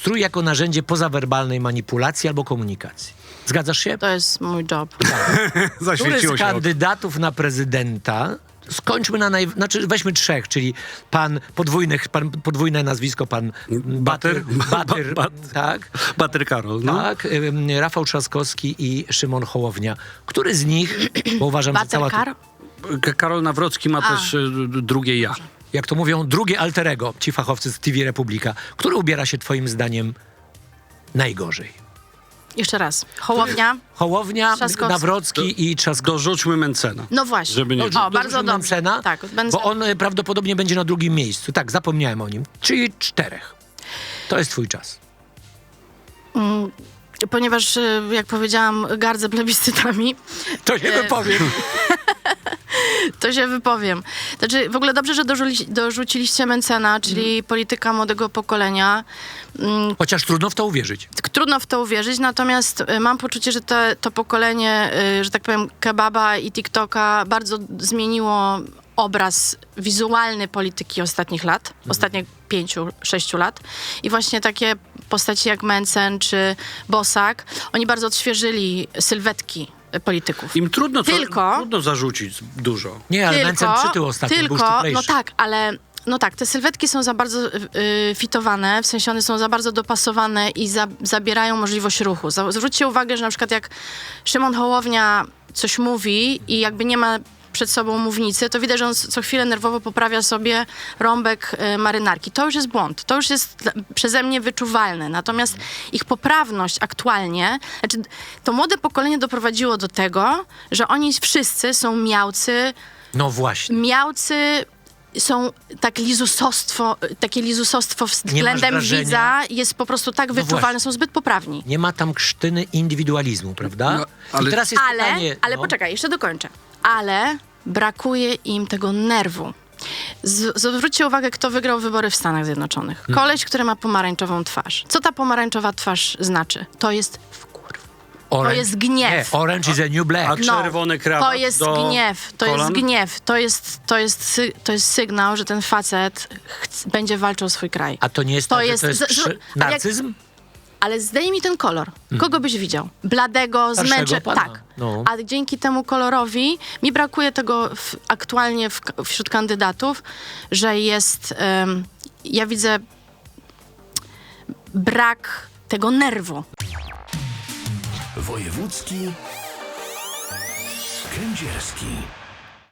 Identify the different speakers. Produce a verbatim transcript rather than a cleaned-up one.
Speaker 1: strój jako narzędzie pozawerbalnej manipulacji albo komunikacji. Zgadzasz się?
Speaker 2: To jest mój job.
Speaker 1: Który
Speaker 3: Zaświeciło
Speaker 1: z
Speaker 3: się.
Speaker 1: kandydatów na prezydenta, skończmy na naj... Znaczy weźmy trzech, czyli pan podwójny, pan podwójne nazwisko, pan Batyr, Batyr,
Speaker 3: Ba-
Speaker 1: tak,
Speaker 3: Batyr Karol, no.
Speaker 1: tak, ym, Rafał Trzaskowski i Szymon Hołownia. Który z nich, bo uważam, że cała...
Speaker 2: Baterkar?
Speaker 3: K- Karol Nawrocki ma
Speaker 2: A.
Speaker 3: też y, drugie ja.
Speaker 1: Jak to mówią, drugie alterego, ci fachowcy z T V Republika. Który ubiera się twoim zdaniem najgorzej?
Speaker 2: Jeszcze raz. Hołownia?
Speaker 1: Hołownia,
Speaker 2: Trzaskowski.
Speaker 1: Nawrocki i Trzaskowski.
Speaker 3: Dorzućmy Mencena.
Speaker 2: No właśnie.
Speaker 3: Żeby nie...
Speaker 2: O,
Speaker 1: Dorzućmy
Speaker 2: bardzo dobrze.
Speaker 1: Mencena,
Speaker 2: Tak, będę...
Speaker 1: bo on e, prawdopodobnie będzie na drugim miejscu. Tak, zapomniałem o nim. Czyli czterech. To jest twój czas.
Speaker 2: Mm, ponieważ, y, jak powiedziałam, gardzę plebiscytami,
Speaker 1: To nie
Speaker 2: E,
Speaker 1: wypowiem.
Speaker 2: to się wypowiem. Znaczy, w ogóle dobrze, że dorzuci, dorzuciliście Mencena, czyli
Speaker 1: Mhm.
Speaker 2: polityka młodego pokolenia. Mm,
Speaker 1: Chociaż trudno w to uwierzyć.
Speaker 2: Trudno w to uwierzyć, natomiast y, mam poczucie, że te, to pokolenie, y, że tak powiem, kebaba i TikToka bardzo zmieniło obraz wizualny polityki ostatnich lat,
Speaker 1: Mhm.
Speaker 2: ostatnich pięciu, sześciu lat. I właśnie takie postaci jak Mencen czy Bosak, oni bardzo odświeżyli sylwetki y, polityków.
Speaker 3: Im trudno, to,
Speaker 2: Tylko-
Speaker 3: trudno zarzucić dużo.
Speaker 1: Nie, ale Mencen przytył ostatnio, był
Speaker 2: tylko,
Speaker 1: szczuplejszy.
Speaker 2: no tak, ale no tak, te sylwetki są za bardzo y, y, fitowane, w sensie one są za bardzo dopasowane i za, zabierają możliwość ruchu. Za- Zwróćcie uwagę, że na przykład jak Szymon Hołownia coś mówi i jakby nie ma przed sobą mównicy, to widać, że on co chwilę nerwowo poprawia sobie rąbek y, marynarki. To już jest błąd. To już jest dla- przeze mnie wyczuwalne. Natomiast ich poprawność aktualnie, znaczy to młode pokolenie doprowadziło do tego, że oni wszyscy są miałcy,
Speaker 1: No właśnie.
Speaker 2: miałcy są tak lizusostwo, takie lizusostwo względem
Speaker 1: wrażenia?
Speaker 2: widza jest po prostu tak wyczuwalne,
Speaker 1: właśnie.
Speaker 2: są zbyt poprawni.
Speaker 1: Nie ma tam krztyny indywidualizmu, prawda?
Speaker 3: No, ale-
Speaker 1: I teraz jest
Speaker 2: Ale,
Speaker 1: pytanie...
Speaker 2: ale
Speaker 1: no.
Speaker 2: poczekaj, jeszcze dokończę. Ale brakuje im tego nerwu. Z, zwróćcie uwagę, kto wygrał wybory w Stanach Zjednoczonych.
Speaker 1: Hmm.
Speaker 2: Koleś, który ma pomarańczową twarz. Co ta pomarańczowa twarz znaczy? To jest wkurw.
Speaker 1: Orange,
Speaker 2: jest gniew.
Speaker 1: Nie, orange is a new black.
Speaker 3: A czerwony krawat
Speaker 2: No, To jest
Speaker 3: do
Speaker 2: gniew, to
Speaker 3: kolan?
Speaker 2: jest gniew, to jest, to, jest, sy- to jest sygnał, że ten facet chc- będzie walczył o swój kraj.
Speaker 1: A to nie jest
Speaker 2: To
Speaker 1: tak,
Speaker 2: jest-
Speaker 1: że to jest
Speaker 2: z-
Speaker 1: przy...
Speaker 2: z- a jak-
Speaker 1: narcyzm?
Speaker 2: Ale zdejmij ten kolor. Kogo byś widział? Bladego,
Speaker 1: Starszego
Speaker 2: zmęczonego.
Speaker 1: pana.
Speaker 2: Tak.
Speaker 1: No.
Speaker 2: A dzięki temu kolorowi mi brakuje tego w, aktualnie w, wśród kandydatów, że jest... em, ja widzę brak tego nerwu.
Speaker 4: Wojewódzki Kędzierski.